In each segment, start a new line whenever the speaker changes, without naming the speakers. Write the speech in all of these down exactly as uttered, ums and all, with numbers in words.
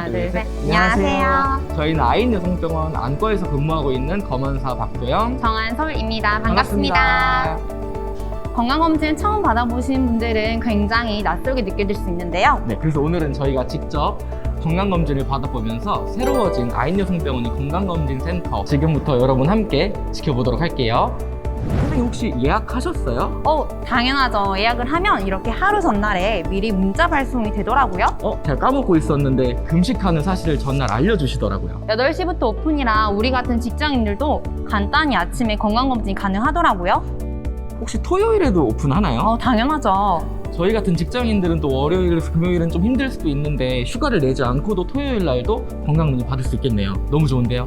둘, 셋.
안녕하세요.
저희는 아인여성병원 안과에서 근무하고 있는 검은사 박도영.
정한솔입니다. 반갑습니다. 건강검진 처음 받아보신 분들은 굉장히 낯설게 느껴질 수 있는데요.
네, 그래서 오늘은 저희가 직접 건강검진을 받아보면서 새로워진 아인여성병원의 건강검진센터 지금부터 여러분 함께 지켜보도록 할게요. 선생님 혹시 예약하셨어요?
어, 당연하죠. 예약을 하면 이렇게 하루 전날에 미리 문자 발송이 되더라고요.
어? 제가 까먹고 있었는데 금식하는 사실을 전날 알려주시더라고요.
여덟 시부터 오픈이라 우리 같은 직장인들도 간단히 아침에 건강검진이 가능하더라고요.
혹시 토요일에도 오픈하나요?
어, 당연하죠.
저희 같은 직장인들은 또 월요일에서 금요일은 좀 힘들 수도 있는데 휴가를 내지 않고도 토요일 날도 건강검진 받을 수 있겠네요. 너무 좋은데요?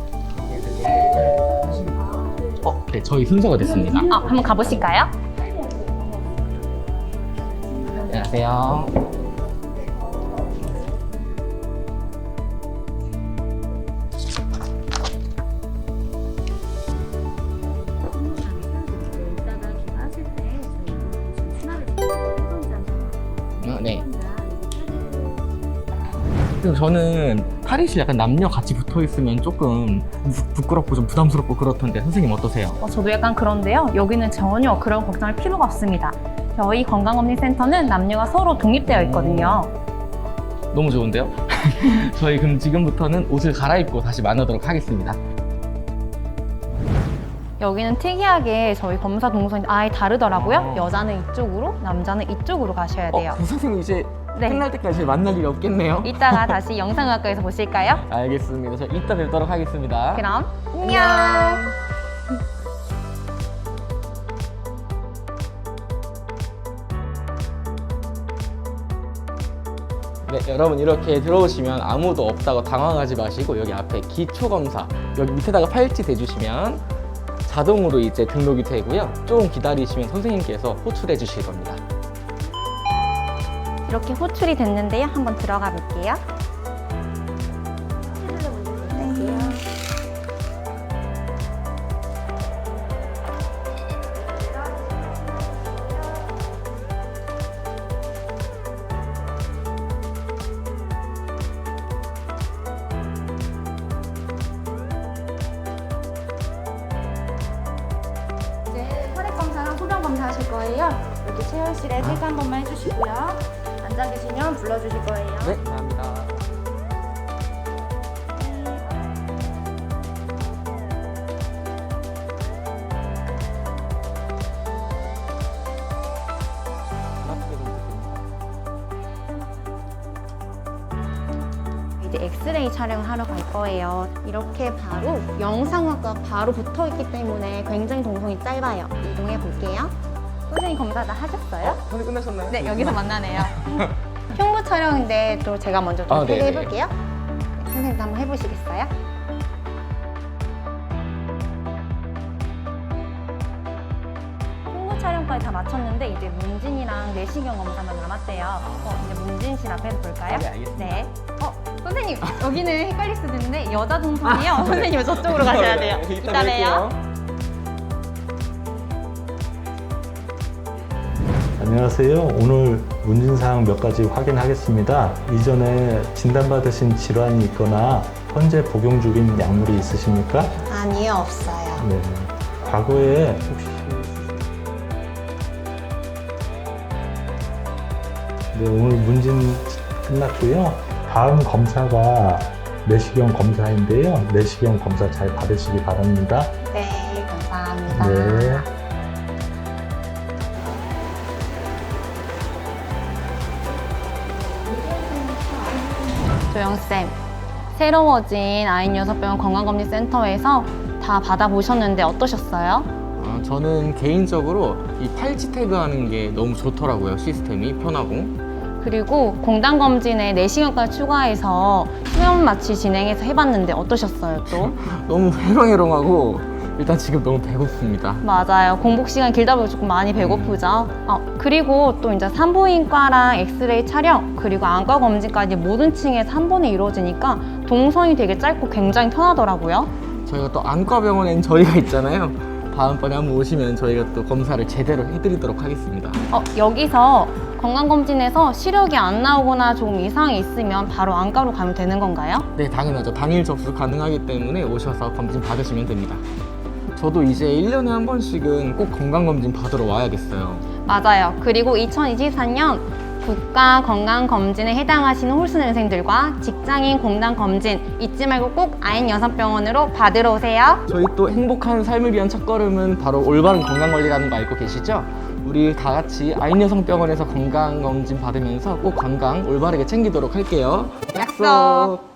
어, 네, 저희 순서가 됐습니다.
어, 한번 가보실까요?
안녕하세요. 어, 네. 그리고 저는 탈의실 약간 남녀 같이 붙어 있으면 조금 부끄럽고 좀 부담스럽고 그렇던데 선생님 어떠세요?
어, 저도 약간 그런데요. 여기는 전혀 그런 걱정할 필요가 없습니다. 저희 건강검진센터는 남녀가 서로 독립되어 있거든요.
너무 좋은데요? 저희 그럼 지금부터는 옷을 갈아입고 다시 만나도록 하겠습니다.
여기는 특이하게 저희 검사 동선이 아예 다르더라고요. 여자는 이쪽으로, 남자는 이쪽으로 가셔야 돼요.
어, 선생님 이제
네.
끝날 때까지 만날 일이 없겠네요?
이따가 다시 영상의학과에서 보실까요?
알겠습니다. 저 이따 뵙도록 하겠습니다.
그럼 안녕!
네, 여러분 이렇게 들어오시면 아무도 없다고 당황하지 마시고 여기 앞에 기초검사 여기 밑에다가 팔찌 대주시면 자동으로 이제 등록이 되고요. 조금 기다리시면 선생님께서 호출해 주실 겁니다.
이렇게 호출이 됐는데요. 한번 들어가 볼게요.
이제 혈액 검사랑 소변 검사 하실 거예요. 이렇게 체열실에 체크 한 번만 해주시고요. 앉아 계시면 불러주실 거예요.
네, 감사합니다.
이제 엑스레이 촬영을 하러 갈 거예요. 이렇게 바로 영상학과 바로 붙어 있기 때문에 굉장히 동선이 짧아요. 이동해 볼게요. 선생님 검사 다 하셨어요?
오늘 끝나셨나요?
네, 여기서 만나네요. 흉부 촬영인데 또 제가 먼저 좀
아, 네네.
소개해 볼게요. 네, 선생님도 한번 해보시겠어요? 흉부 촬영까지 다 마쳤는데 이제 문진이랑 내시경 검사만 남았대요. 어, 이제 문진실 앞에서 볼까요?
아, 네, 알겠습니다.
네. 어, 선생님 여기는 헷갈릴 수도 있는데 여자 동선이요. 선생님 저쪽으로 가셔야 돼요.
네,
이따 봬요.
안녕하세요. 오늘 문진사항 몇 가지 확인하겠습니다. 이전에 진단받으신 질환이 있거나 현재 복용 중인 약물이 있으십니까?
아니요, 없어요.
네. 과거에 혹시 네, 오늘 문진 끝났고요. 다음 검사가 내시경 검사인데요. 내시경 검사 잘 받으시기 바랍니다.
네, 감사합니다.
네.
조영쌤, 새로워진 아인여성병원 건강검진센터에서 다 받아보셨는데 어떠셨어요?
아, 저는 개인적으로 이 팔찌 태그하는 게 너무 좋더라고요. 시스템이 편하고.
그리고 공단검진에 내시경까지 추가해서 수면 마취 진행해서 해봤는데 어떠셨어요 또?
너무 해롱해롱하고 일단 지금 너무 배고픕니다.
맞아요. 공복 시간 길다 보니 조금 많이 배고프죠. 어, 그리고 또 이제 산부인과랑 엑스레이 촬영 그리고 안과 검진까지 모든 층에서 한 번에 이루어지니까 동선이 되게 짧고 굉장히 편하더라고요.
저희가 또 안과병원엔 저희가 있잖아요. 다음번에 한번 오시면 저희가 또 검사를 제대로 해드리도록 하겠습니다.
어, 여기서 건강검진에서 시력이 안 나오거나 조금 이상이 있으면 바로 안과로 가면 되는 건가요?
네, 당연하죠. 당일 접수 가능하기 때문에 오셔서 검진 받으시면 됩니다. 저도 이제 일 년에 한 번씩은 꼭 건강검진 받으러 와야겠어요.
맞아요. 그리고 이천이십사 년 국가건강검진에 해당하시는 홀수년생들과 직장인 공단검진 잊지 말고 꼭 아인여성병원으로 받으러 오세요.
저희 또 행복한 삶을 위한 첫걸음은 바로 올바른 건강관리라는 거 알고 계시죠? 우리 다 같이 아인여성병원에서 건강검진 받으면서 꼭 건강 올바르게 챙기도록 할게요.
약속!